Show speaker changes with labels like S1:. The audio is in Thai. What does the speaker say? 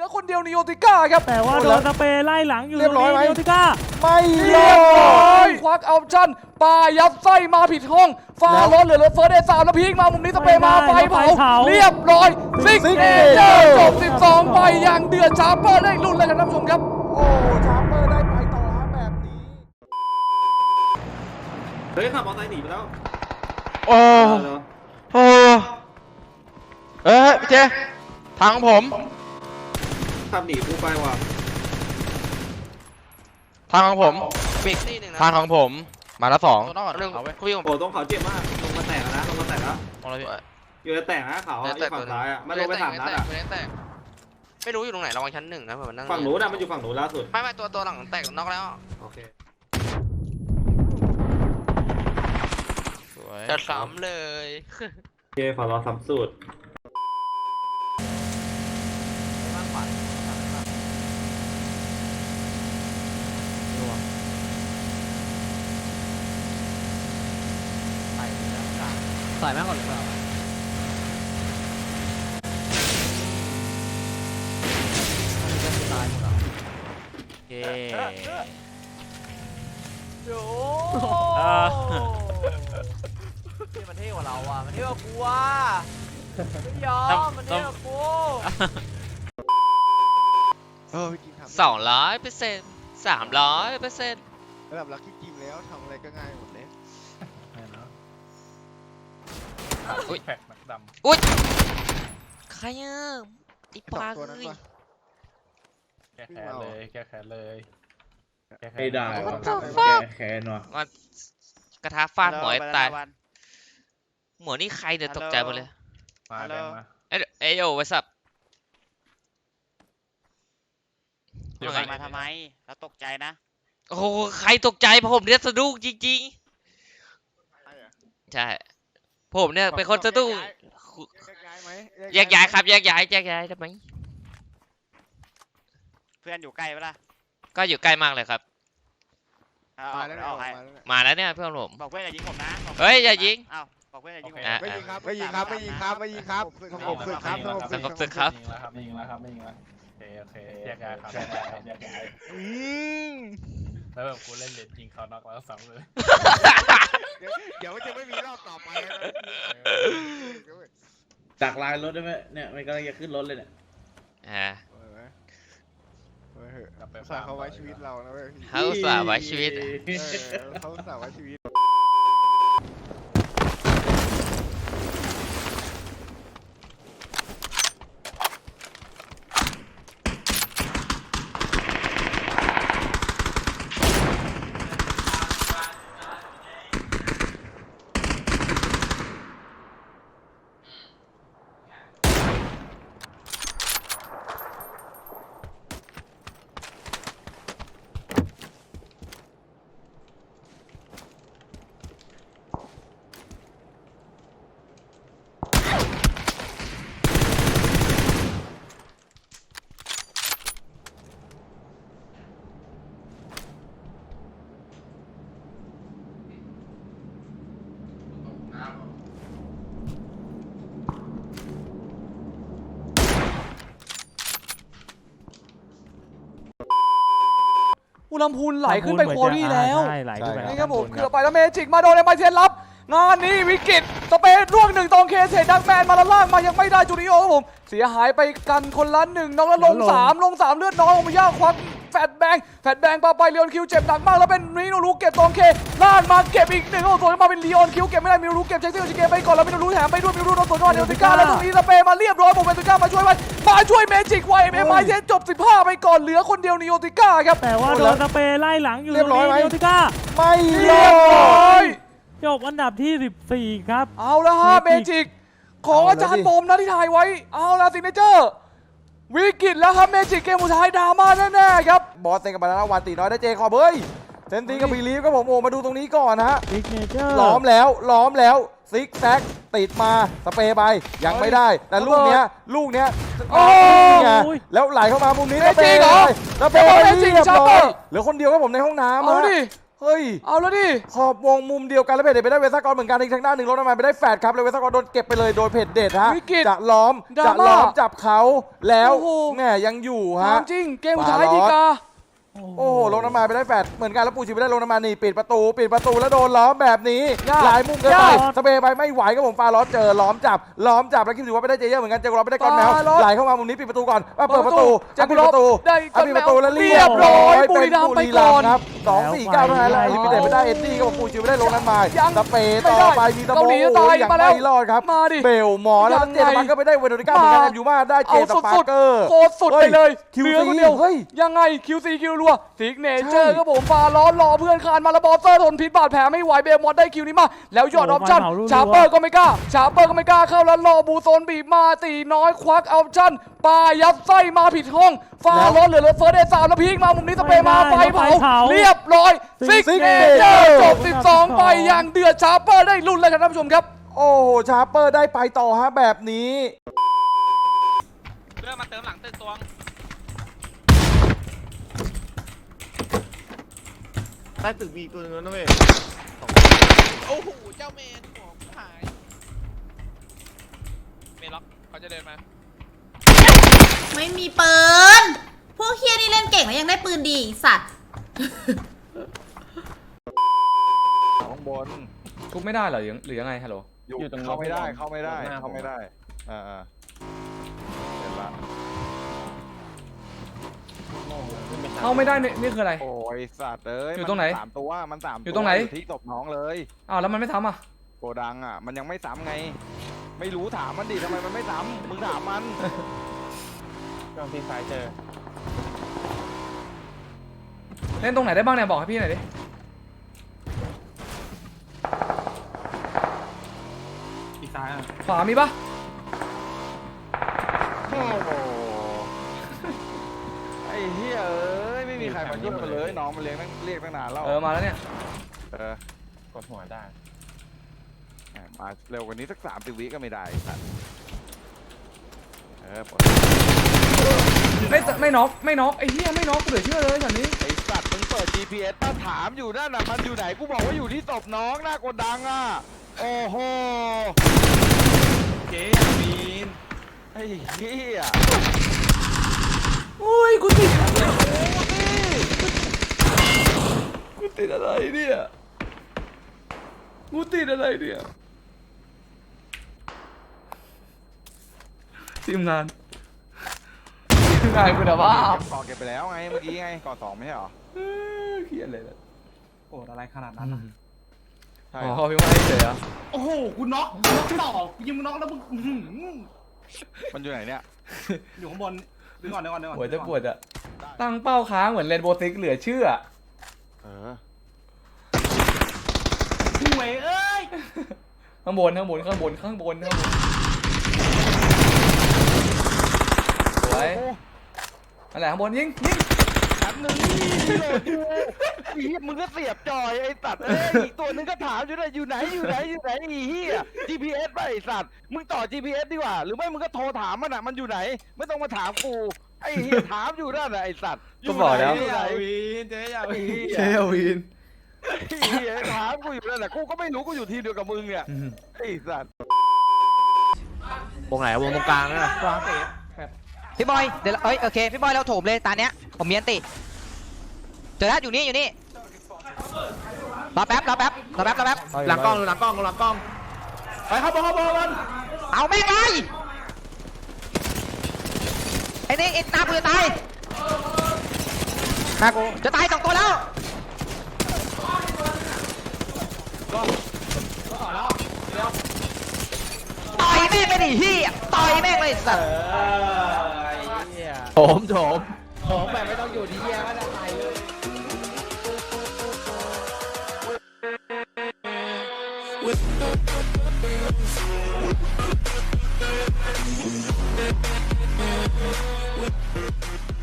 S1: อคนเดียวนิโอติก้าครับ
S2: แต่ว่าโดนสเปรย์ไล่หลังอยู่
S3: เรียบร้อยไหม
S2: นิโอติก้า
S3: ไม่
S1: เรียบร้อยควักเอาชั่นปายัดไส้มาผิดห้องฟ้าร้อนเหลือเฟิร์สเอสามแล้วพีกมามุมนี้สเปรย์มาไฟเผาเรียบร้อยซิกเนเจอร์จบ12ไปอย่างเดือดชาร์เปอร์ได้ลุ้นเลยครับท่านผู้ชมครับ
S3: โอ้ชาร์เปอร์ได้ไปต่อฮะแบบนี้
S4: เฮ้ยขับมอเตอร์ไซค์หนีไปแล้ว
S5: โอ้โหพี่เจทางของผม
S4: ขับหนีกูไปว่ะ
S5: ทางของผมทางของผมมาแล้ว2
S4: โอ้ต้องเขาเจ็บมากลงมาแตกนะลงมาแตกแล้วอยู่ในแตกนะเขาอยู่ฝั่งซ้ายอ่ะมันลงไป3 นัดอ่ะ
S6: ไม่รู้อยู่ตรงไหนระวังชั้น1นะเผื่อมันนั่ง
S4: ฝั่งหนูนะมันอยู่ฝั่งหนูล่าสุด
S6: ไม่ตัวหลังแตกน็อกแล้ว
S4: โอเค
S6: จะซ้ำเลย
S4: โอเคขอรอซ้ำสูตร
S2: ใส่แม่ก่อนหรือเปล่าตายหมดแล้วเย้
S1: โอ้ที่มันเท่กว่าเราอ่ะมันเท่กว่ากูอ่ะไม่ยอมมันเท่กว่ากู
S5: พี่กินครับ
S6: 200% 300%
S5: ระดับลักกี้กินแล้วทำอะไรก็ง่ายหมดเลย
S6: อุ้ย
S2: แพ็คหนักดำ
S6: อุ้ยใครอ่ะไอ้ปลาเอ้ย
S2: แก้แค้นเลยแก้แค้นเลย
S4: ไม่ได้แก้แค้นว่ะ
S6: กระทะฟาดหัวไอ้ตายหัวนี่ใครเดี๋ยวตกใจหมดเลย
S2: มาแดงมา
S6: เอ้ยโอ้วัสับ
S7: มาทำไมแล้วตกใจนะ
S6: โอ้ใครตกใจผมเนี่ยสะดุ้งจริงๆใช่ผมเนี่ยเป็นคนสะดุ้งแยกย้ายครับแยกย้ายทำไม
S7: เพื่อนอยู่ใกล้ปะล่ะ
S6: ก็อยู่ใกล้มากเลยครับมาแล้วเนี่ยเพื่อนผม
S7: บอกเพื่อนอย่ายิงผมนะ
S6: เฮ้ยอย่ายิง
S7: บอกเพื่อนอย่ายิงผม
S5: ไม่ยิงครับสงบศึกครับ
S6: สงบศึกครับ
S2: ไม่ยิงแล้วโอเคแยกย้ายครับแยกย้ายแล้วแบบกูเล่นเลนยิงเขาน็อกแล้วซ้ำเลย
S5: เดี๋ยวจะไม่มีรอบต่อไป
S4: จากลายรถได้ไหมเนี่ยมันกำลังจะขึ้นรถเลยเนี่ย
S5: เขาไว้ชีวิตเรานะเว้ย
S6: เขาสาไว้ชีวิต
S5: เขาสาไว้ชีวิต
S1: อุลำพูนไหลขึ้นไปโคดี้แล้ว
S2: ไหลขึ้นไป
S1: นี่ครับผมเกือบไปแล้วเมจิกมาโดนในไมเทนรับงานนี้วิกฤตสเปซร่วง1ตองเคเศษดักแมนมาละล่างมายังไม่ได้จูริโอครับผมเสียหายไปกันคนละ1น้องแล้วลง3เลือดน้อยองค์ย่าควักแฟดแบงปาไปเลียนคิวเจ็บหนักมากแล้วเป็นมิโนรุเก็บตองเคล่างมาเก็บอีก1โอ้โหมาเป็นลีออนคิวเก็บไม่ได้มิโนรุเก็บเช็คซิโอชิเกะไปก่อนแล้วมิโนรุแถมไปด้วยมิโนรุโดนสวนก่อนเดลติก้าแล้วตรงนี้สเปมาเรียบร้อยผมเดลติก้ามาช่วยเมจิกไวเอ็มไอเทนจบ15ไปก่อนเหลือคนเดียวนิโอติก้าครับ
S2: แต่ว่าโดนสเปรย์ไล่หลังอยู่
S3: เรียบร้อยไหม
S2: นิโอติก้า
S3: ไม่
S1: เรียบร้อย
S2: จบอันดับที่14ครับ
S1: เอาละฮะเมจิกของอาจารย์ผมนะที่ถ่ายไว้เอาละซิกเนเจอร์วิกฤตแล้วครับเมจิกเกมสุดท้ายดราม่าแน่ๆครับ
S3: บอสเซนกับบานาวันตีน้อยได้เจคอบเฮ้ยเซนตินกับบีลีฟก็ผมมาดูตรงนี้ก่อนฮะ
S2: ซิกเนเจอร์
S3: ล้อมแล้วซิกแซกติดมาสเปย์ไปยังไม่ได้แต่ลูกเนี้ย
S1: โอ้
S3: ยแล้วไหลเข้ามามุมนี้สเปย์เรียบร้อยเหลือคนเดียวครับผมในห้องน้ำ
S1: เอาดิ
S3: เฮ้ย
S1: เอาแล้วดิ
S3: ขอบวงมุมเดียวกันแล้วเพจเด็ดไปได้เวซ่ากรเหมือนกันอีกทางด้านหนึ่งลงมาไปได้แฟดครับเลยเวซ่ากรโดนเก็บไปเลยโดยเพจเด็ดฮะ
S1: วิกฤต
S3: จะล้อม
S1: ดรา
S3: จะ
S1: ม่า
S3: ล้อมจับเขาแล้ว
S1: โอ้โห
S3: แม่ยังอยู่
S1: ถา
S3: ฮะ
S1: มจริงเกมสุดท้ายดีกา
S3: โอ้โหลงน้ำมาไปได้แฟดเหมือนกันแล้วปูชิไปได้ลงน้ำมานี่ปิดประตูแล้วโดนล้อมแบบนี้
S1: ยาก
S3: หลายมุมเกินไป
S1: ยาก
S3: สเปย์ไปไม่ไหวครับผมฟาล้อเจอล้อมจับแล้วคิดถือว่าไม่ได้เจเยอร์เหมือนกันเจอล้อมไม่ได้ก้อนแมว
S1: ฟาล้อ
S3: ไหลเข้ามามุมนี้ปิดประตูก่อนเปิดประตู
S1: เจอ
S3: ปิดประตู
S1: ได้ก้อน
S3: ปิดประตู
S1: แมว
S3: แล้วเรี
S1: เรี
S3: ย
S1: ย
S3: บบ ร้
S1: ร้
S3: อ
S1: อย
S3: ย
S1: บุ
S3: เป็น
S1: รีรัมย์
S3: บุ
S1: ไป
S3: รี
S1: ก่
S3: รั
S1: อ
S3: ม
S1: น
S3: ย์ครับ2-4-9เท่านั้นแล้วลิมิเต็ดไม่ได้เอ็ดดี้ครับผมปูชิไปได้ลงน้ำมา
S1: ยัง
S3: สเปย์
S1: ไม่
S3: ต่
S1: ได้
S3: อไปมีตะโบ
S1: เกาหลีจะตาย
S3: ยัง
S1: มาแล้ว
S3: ไม่รอดครับ
S1: มาดิ
S3: เบลหมอแล้ว
S1: ยังไง
S3: เจตมันก็ไปได้เวโรนิก้าเหมือนกันอยู่มาได้เจ
S1: เอา
S3: ต
S1: สุ
S3: ปา
S1: ด
S3: ร์เกอร์
S1: ๆโคตรสุดไปเลย
S3: คิว
S1: เหลือ
S3: ซี
S1: คนเดียว
S3: เฮ้ย
S1: ยังไง QC คิวรัวซิกเนเจอร์
S3: ใช่
S1: ครับผมฟาล้อรอเพื่อนคานมาแล้วบอสเซอร์ทนพิษบาดแผลไม่ไหวเบลมอสได้คิวนี้มาแล้วยอดออปชั่นชาร์เปอร์ก็ไม่กล้าเข้าแล้วรอบูโซนบีบมาตีน้อยควักออปชั่นปายัดไส้มาผิดห้องฟาล้อเหลือเฟิร์สเดย์3แล้วพีกมามุมนี้สเปรย์มาไฟเผาเรียบร้อยซิกเนเจอร์จบ12ไปอย่างเดือดชาร์เปอร์ได้ลุ้นเลยครับท่านผู้ชมครับ
S3: โอ้โหชาร์เปอร์ได้ไปต่อฮะแบบนี้
S6: เรื่องมาเติมหลังตึกตวง
S5: ใต้ตึกมีตัวนึงนะเว้ย
S6: โอ้โหเจ้าเมนของหายเมนล็อกเขาจะเดินมา
S8: ไม่มีปืน พวกเฮียนี่เล่นเก่งแล้วยังได้ปืนดีอีกสัตว์
S5: ข้างบน
S1: ทุบไม่ได้เหรอหรือยังไงฮัลโหล
S5: อยู่ตรงเข้าไม่ได้เข้าไม่ได้เข้าไม่ได้เห็นละ
S1: เข้าไม่ได้นี่คืออะไร
S5: โอ้ยสัตว์เอ้ย
S1: อยู่ตรงไหน
S5: มัน3 ตัวมัน3
S1: อยู่ตรงไหน
S5: ที่ศพน้องเลย
S1: อ้าวแล้วมันไม่ทำอ่ะ
S5: โกดังอ่ะมันยังไม่ซ้ำไง ไม่รู้ถามมันดิทำไมมันไม่ซ้ำมึงถามมันลองทีซ้ายเจอ
S1: เล่นตรงไหนได้บ้างเนี่ยบอกให้พี่หน่อยดิ
S4: อีกซ้ายอ่ะ
S1: ขวามีปะ
S5: โอ้โหไอ้เหี้ยเอ้ยไม่มีใครมายุ่งกันเลยน้องมันเรียกตั้งนานแล้ว
S1: มาแล้วเนี่ย
S5: กดหัวได้มาเร็วกว่านี้สัก30 วิก็ไม่ได้สัตว์
S1: ไม่น็อกไอ้เหี้ยไม่น็อกเหลือเชื่อเลยตอนนี้
S5: ไอ้สัตว์มึงเปิด GPS ป้าถามอยู่นั่นน่ะมันอยู่ไหนกูบอกว่าอยู่ที่ศพน้องหน้าโกดังอ่ะโอ้โห
S4: เจ๊บีน
S5: ไอ้เหี้ย
S1: อุ้ยกูติดอะไรเนี่ยกูติดอะไรเนี่ยทีมงานคุณภาพ
S5: ก่อเก็บไปแล้วไงเมื่อกี้ไงก่อ2ไม่ใช่หรอ
S1: เครียดเลยนะ
S4: โอ้อะไรขนาดนั้นอ่ะ
S5: ใช่
S1: อ๋อพี่ว่าให้เฉยอ่ะ
S4: โอ้โหกูน็อกต่อกูยิงมึงน็อกแล้วมึง
S5: มันอยู่ไหนเนี่ย
S4: อยู่ข้างบนดึงก่อน
S1: หัวจะปวดอ่ะตั้งเป้าค้างเหมือนเรนโบว์ซิกเหลือเชื่อ
S4: ห่วยเอ้ย
S1: ข้างบนสวยนั่นแหละข้างบนยิง
S5: แป๊บนึงพี่โหลดอยู่อีมึงก็เสียบจอยไอ้สัตว์เอ้ยอีกตัวนึงก็ถามอยู่เลยอยู่ไหนอีเหี้ย GPS ไปไอ้สัตว์มึงต่อ GPS ดีกว่าหรือไม่มึงก็โทรถามมันอ่ะมันอยู่ไหนไม่ต้องมาถามกูไอ้เหี้ยถามอยู่นั่นน่ะไอ้สัตว์อยู่ไหนอยู่ไหน
S4: เจ๊อย่าวีน
S1: เชลวิน
S5: ไอ้เหี้ยถามกูอยู่นั่นแหละกูก็ไม่รู้กูอยู่ทีมเดียวกับมึงเนี่ยไอ้สัตว์
S6: วงไหนวงตรงกลางนะ
S4: วางเตะ
S7: พี่บอยเดี๋ยวโอเคพี่บอยเราโถมเลยตาเนี้ยผมมีอันติเจอแล้วอยู่นี่รอแป๊บ
S4: หลังกล้องไปเข้าบอล
S7: เอาแม่งเลยไอ้นี่ไอ้ตากูจะตายตากูจะตาย2 ตัวแล้วต่อยแม่งไปดิเฮียต่อยแม่งเลยสัตว์
S1: โถม
S4: ของแบบไม่ต้องอยู่ที่แย่ก็ได้ไปเลย